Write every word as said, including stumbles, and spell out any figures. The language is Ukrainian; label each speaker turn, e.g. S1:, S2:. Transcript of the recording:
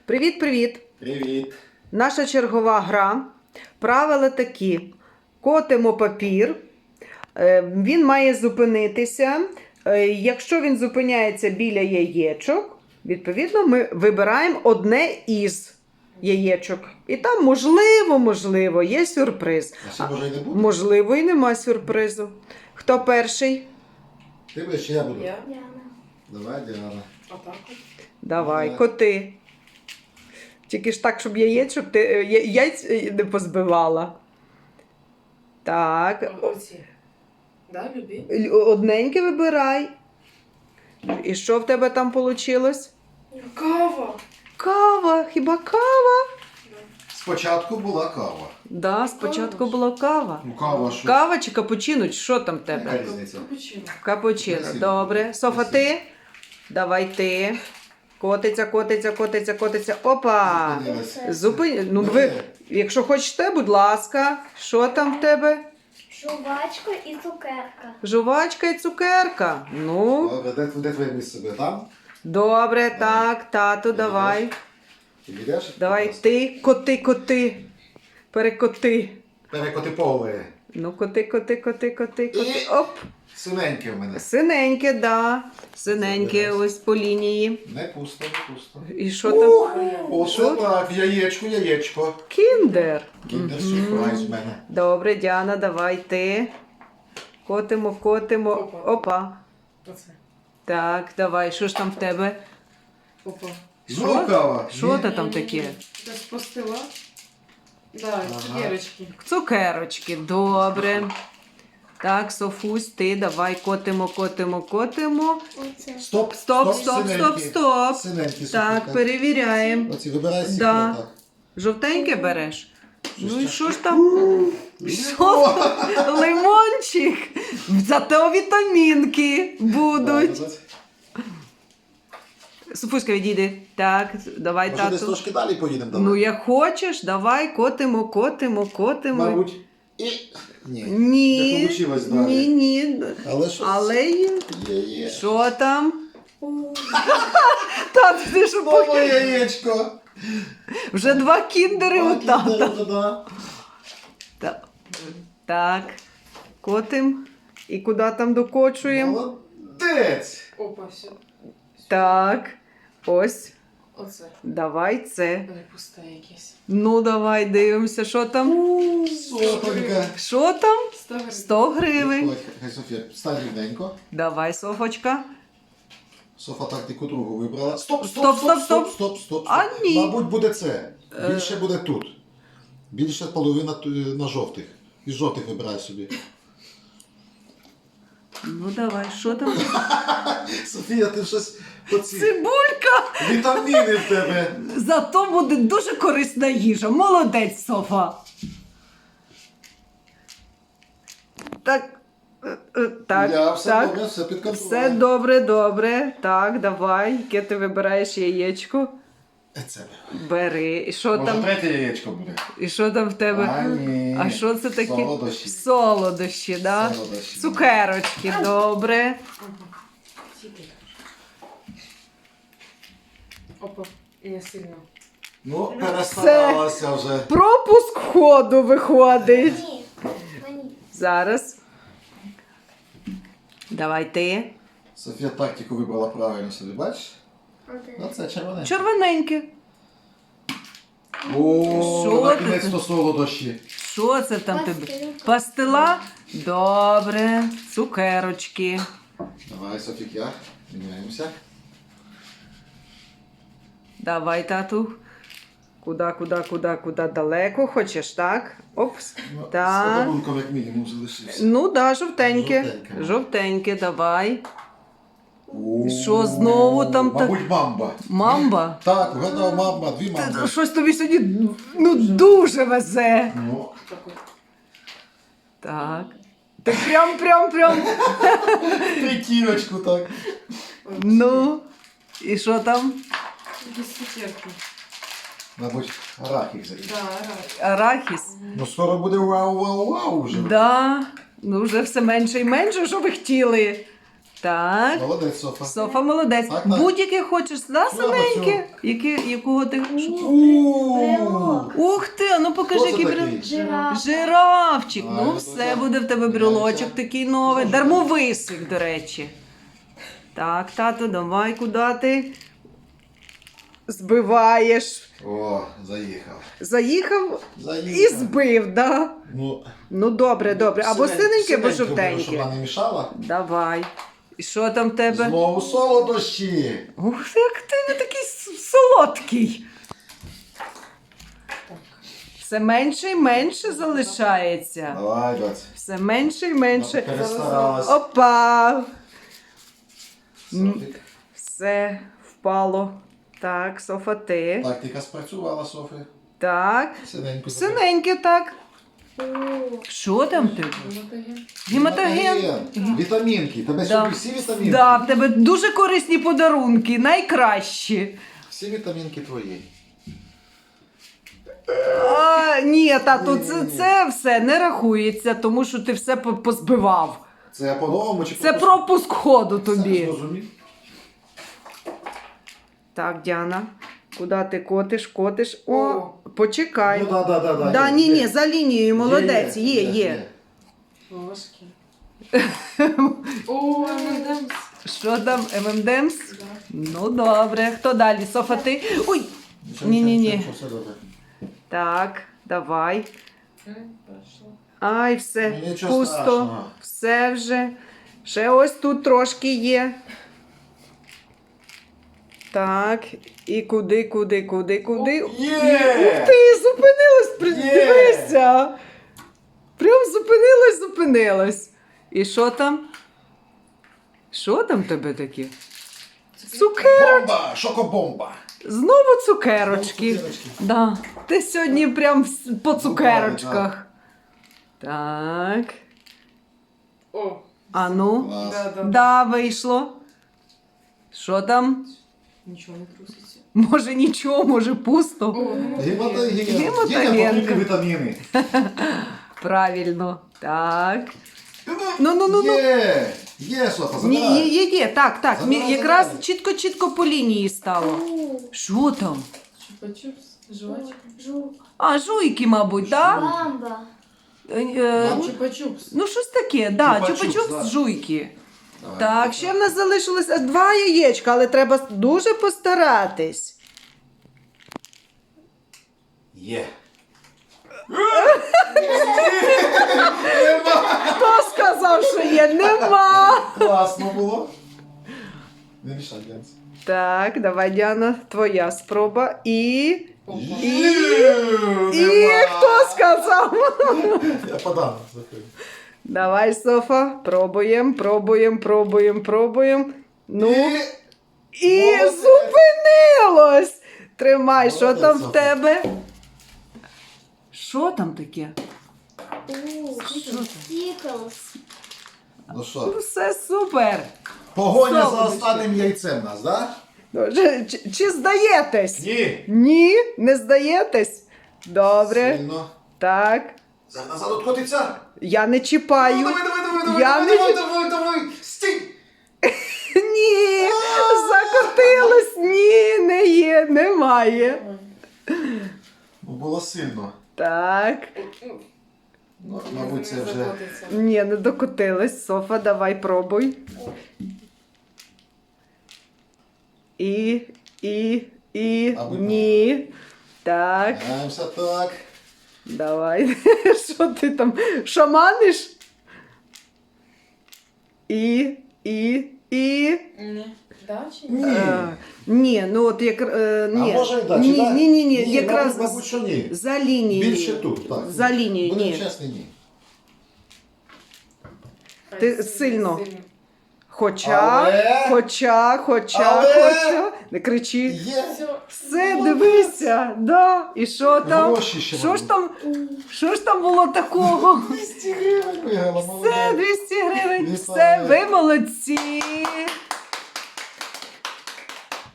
S1: Привіт-привіт!
S2: Привіт!
S1: Наша чергова гра. Правила такі. Котимо папір. Е, Він має зупинитися. Е, Якщо він зупиняється біля яєчок, відповідно, ми вибираємо одне із яєчок. І там, можливо, можливо, є сюрприз.
S2: А ще може й не буде?
S1: Можливо, і нема сюрпризу. Хто перший?
S2: Ти будеш чи я буду?
S3: Я.
S2: Давай, Діана.
S3: Отак от.
S1: Давай,
S2: Давай.
S1: коти. Тільки ж так, щоб яєчок ти е, я- яйць е, не позбивала. Так.
S3: О- Оці. Да, любі?
S1: Л- Одненьке вибирай. І що в тебе там вийшло?
S3: Кава!
S1: Кава. Хіба кава?
S2: Спочатку була кава.
S1: Да, спочатку була кава.
S2: Ну кава що?
S1: Кава чи капучино? Чи що там в тебе?
S2: Яка різниця?
S3: Капучино.
S1: Капучино.
S2: Спасибо.
S1: Добре. Софа,
S2: Спасибо.
S1: ти? Давай ти. Котиться, котиться, котиться, котиться. Опа!
S2: Зупинилась.
S1: Зупин... Ну, ви... Якщо хочете, будь ласка. Що там в тебе?
S4: Жувачка і цукерка.
S1: Жувачка і цукерка. Ну,
S2: Добре, де, де твоє місце буде? Там?
S1: добре, так, тату, давай.
S2: Ти підеш?
S1: Давай ти, коти, коти. Перекоти.
S2: Перекоти поле.
S1: Ну, коти, коти, коти, коти, коти.
S2: І-
S1: Оп.
S2: Синеньке в мене.
S1: Синеньке, да. Синеньке ось по лінії.
S2: Не пусто, не пусто.
S1: І що там?
S2: Оце так, яєчко, яєчко.
S1: Кіндер.
S2: Кіндер сюрприз в мене.
S1: Добре, Діана, давай ти. Котимо, котимо.
S3: Опа.
S1: Опа.
S3: Оце.
S1: Так, давай, що ж там в тебе?
S3: Опа.
S2: Знову кава.
S1: Що це там таке?
S3: Десь постила. Да,
S2: Ага.
S3: цукерочки.
S1: Цукерочки, добре. Так, Софусь, ти давай котимо, котимо, котимо.
S4: Оце.
S2: Стоп,
S1: Стоп, стоп, стоп, стоп.
S2: Синенькі,
S1: Так, перевіряємо.
S2: Оці вибирай сік,
S1: Да.
S2: так.
S1: Жовтеньке береш? Ну і
S2: це?
S1: що ж там? Що? Лимончик. Зато вітамінки будуть. Софуська, відійди. Так, давай,
S2: Може десь
S1: тату.
S2: трошки далі поїдемо? Давай.
S1: Ну, як хочеш, давай, котимо, котимо, котимо.
S2: Мабуть. І... Ні.
S1: Ні.
S2: Не получилось далі.
S1: Ні, ні.
S2: Але що?
S1: Але є.
S2: Є, є.
S1: Що там? Тат, ти що
S2: Знову
S1: поки-
S2: яєчко.
S1: Вже два кіндери у тата.
S2: Да-да-да.
S1: Так. Так. Котим. І куди там докочуємо?
S2: Молодець.
S3: Опа, все.
S1: Так. Ось.
S3: Оце.
S1: Давай це.
S3: Не пусте якесь.
S1: Ну, давай дивимося, що там.
S2: Сотонька.
S1: Що там?
S3: Сто гривень.
S1: сто гривень.
S2: Ой, Хай Софія, стань рівненько.
S1: Давай, Софочка.
S2: Софа тактику другу вибрала. Стоп,
S1: Стоп,
S2: стоп,
S1: стоп,
S2: стоп,
S1: стоп.
S2: стоп, стоп, стоп.
S1: А, ні.
S2: Мабуть, буде це. Більше буде тут. Більше половина ту- на жовтих. Із жовтих вибирай собі.
S1: Ну, давай, що там?
S2: Софія, ти щось оці.
S1: Цибулька!
S2: Вітаміни в тебе.
S1: Зато буде дуже корисна їжа. Молодець, Софа. Так. е, е, Так,
S2: Я все
S1: так.
S2: добре, все під контролем.
S1: Все добре, добре. Так, давай. Яке ти вибираєш яєчко?
S2: Це.
S1: Бери. І що
S2: Може,
S1: там?
S2: третє яєчко буде?
S1: І що там в тебе?
S2: А, ні.
S1: А що це таке?
S2: Солодощі.
S1: Солодощі, да?
S2: Солодощі.
S1: Цукерочки, добре.
S3: Тільки. Опа. І не сильно.
S2: Ну, перестаралася вже.
S1: Пропуск ходу виходить.
S4: Ні. Мені.
S1: Зараз. Давай ти.
S2: Софія тактику вибрала правильно собі, бачиш?
S4: Оце.
S2: Оце червоне.
S1: Червоненьке.
S2: О,
S1: Що
S2: накінець-то солодощі.
S1: Що це там тобі?
S4: Пастила.
S1: Пастила? Добре. Цукерочки.
S2: Давай, Софія, міняємося.
S1: Давай, тату. Куда, куда, куда, куда далеко хочеш, так? Опс.
S2: Ну,
S1: Так.
S2: З подарунком як мінімум залишився.
S1: Ну да, жовтеньке.
S2: Жовтеньке.
S1: Жовтеньке, давай.
S2: О,
S1: що, знову там так-
S2: Мабуть, мамба.
S1: Мамба.
S2: Так, вгадав мамба, дві
S1: Та-
S2: мамби.
S1: Щось тобі сьогодні ну, дуже везе.
S2: Ну,
S3: Так от.
S1: Так. Ти прям, прям, прям.
S2: прикиночку так.
S1: Ну. І що там?
S3: Без цукерки.
S2: Мабуть, арахів закінчив.
S3: Да, рад.
S1: Арахіс.
S2: Ну, скоро буде вау-вау-вау вже.
S1: Да. Ну, вже все менше і менше, що ви хотіли. Так.
S2: Молодець, Софа.
S1: Софа молодець.
S2: Так, так.
S1: Будь-яке хочеш, да,
S2: Слава
S1: синеньке? Які, якого ти?
S2: Ууу.
S1: Ух ти, а ну покажи,
S2: Хто це
S1: який
S2: такий?
S1: брел.
S4: Жираф.
S1: Жирафчик.
S2: А,
S1: Ну
S2: ну,
S1: все,
S2: так.
S1: буде в тебе брелочок такий новий. Дармовисик, до речі. Так, тато, давай, куди ти? Збиваєш.
S2: О, заїхав.
S1: Заїхав
S2: Заїхав.
S1: і збив, да?
S2: Ну,
S1: Ну добре, добре. Або
S2: синеньке-
S1: синеньке, або
S2: синеньке беру, щоб
S1: жовтеньке.
S2: вона не мішала.
S1: Давай. І що там в тебе?
S2: Знову солодощі.
S1: Ух, як ти не такий с- солодкий. Все менше і менше залишається.
S2: Давай, доць.
S1: Все менше і менше.
S2: Перестаралась.
S1: Опа!
S2: Софік.
S1: Все впало. Так, Софа, ти.
S2: Тактика спрацювала, Софі.
S1: Так.
S2: Синенько.
S1: Синеньке, так.
S4: О,
S1: Що там в тебе?
S3: Гематоген.
S1: Гематоген.
S2: Вітамінки. Тебе
S1: Да.
S2: сьогодні всі вітамінки?
S1: Да, в тебе дуже корисні подарунки, найкращі.
S2: Всі вітамінки твої.
S1: А, ні, тату,
S2: Ні,
S1: це,
S2: ні, ні.
S1: це все не рахується, тому що ти все по- позбивав.
S2: Це по-новому чи
S1: Це
S2: по-пуску?
S1: пропуск ходу
S2: Все
S1: тобі.
S2: зрозумів.
S1: Так, Діана, куди ти котиш, котиш? О,
S3: О.
S1: почекай.
S2: Ну, да, да, да, да,
S1: Да,
S2: є,
S1: ні,
S2: є.
S1: ні, за лінією, молодець, є, є.
S3: Ложки. О, ем енд емс.
S1: Що там, ем ем демс?
S3: Да.
S1: Ну, добре. Хто далі? Софа, ти? Ой!
S2: Нічого,
S1: Ні-ні-ні.
S2: нічого, нічого, все добре.
S1: Так, давай.
S3: М, Пройшло.
S1: Ай, все,
S2: Ну, нічого
S1: пусто.
S2: страшного.
S1: Все вже. Ще ось тут трошки є. Так, і куди, куди, куди, куди.
S2: Є!
S1: Ух ти, зупинилась, при-
S2: Є!
S1: дивися. Прям зупинилась, зупинилась. І що там? Що там в тебе таке? Цукер.
S2: Бомба! Шокобомба!
S1: Знову цукерочки.
S2: Знову цукерочки.
S1: Да. Ти сьогодні прям с- по цукерочках.
S2: да.
S1: Так.
S3: О,
S1: А ну.
S2: Клас.
S3: да, да.
S1: Да, вийшло. Що там?
S3: Нічого не труситься.
S1: Може нічого, може пусто.
S3: О,
S2: Гематоген.
S1: Гематоген.
S2: Дітям потрібні вітаміни.
S1: Правильно. Так. Ну, ну, ну, ну.
S2: Є! Є, Софа,
S1: Ні, є,
S2: забирай.
S1: є, є. Так, так.
S2: Забирай,
S1: Мі- Якраз
S2: забирай.
S1: чітко-чітко по лінії стало.
S4: у,
S1: Що там?
S3: Чупа-чупс. Жвачка.
S4: жук,
S1: А, жуйки, мабуть, так?
S4: бамба.
S1: Да? Е,
S2: Мабуть.
S3: Чупа-чупс.
S1: Ну, щось таке, да,
S2: Чупа-чупс,
S1: чупа-чупс
S2: да.
S1: жуйки.
S2: Давай.
S1: Так, ще в нас залишилося два яєчка, але треба дуже постаратись.
S2: Є.
S1: Хто сказав, що є? Нема.
S2: Класно було. Не мішай, Янс.
S1: Так, давай, Діана, твоя спроба. І.
S3: Опа.
S1: І хто сказав?
S2: Я подам. Слухай.
S1: Давай, Софа, пробуємо, пробуємо, пробуємо, пробуємо. Ну,
S2: І...
S1: і
S2: Молодець.
S1: зупинилось. Тримай, що
S2: Молодець,
S1: там в
S2: Софа.
S1: тебе? Що там таке?
S4: У,
S1: Що там?
S4: Стіклс.
S2: Ну
S1: Ну,
S2: що,
S1: все супер.
S2: погоня за
S1: Солодощі.
S2: останнім яйцем нас, да?
S1: Ну, Чи, чи, чи здаєтесь?
S2: Ні.
S1: Ні, не здаєтесь? Добре.
S2: Сильно.
S1: Так.
S2: За назад откотиться.
S1: Я не чіпаю.
S2: Ну, давай, давай, давай, давай,
S1: Я
S2: давай,
S1: не
S2: давай,
S1: чіп-
S2: давай, давай. Стій.
S1: Ні, закотилось. Ні, не є, немає.
S2: Ну, було сильно.
S1: Так.
S2: Ну, мабуть, це вже...
S1: Ні, не докотилось. Софа, давай пробуй. І, і, і.
S2: Аби
S1: Ні. Так,
S2: Граємося так.
S1: давай. Що ти там шаманиш? І, і, і.
S3: Ні. Да, чи ні?
S2: Ні.
S1: Е, ні, ну от як. Е,
S2: А
S1: ні.
S2: може і да, чи
S1: ні,
S2: да?
S1: ні, ні, ні, якраз
S2: мабуть, мабуть, що ні.
S1: за лінією.
S2: Більше тут, так.
S1: За лінією,
S2: Будемо
S1: ні.
S2: чесні, ні.
S1: Ти
S3: Хай
S1: сильно.
S3: сильно.
S1: Хоча,
S2: Але-
S1: хоча, хоча,
S2: Але-
S1: хоча. Не кричи.
S2: Є.
S3: Все.
S1: Все, дивися, да. І що там?
S2: Гроші ще
S1: Що ж
S2: мабуть.
S1: там? Що ж там було такого?
S2: двісті гривень виграла,
S1: Все,
S2: молодець.
S1: двісті гривень.
S2: Вітаю.
S1: Все, ви молодці.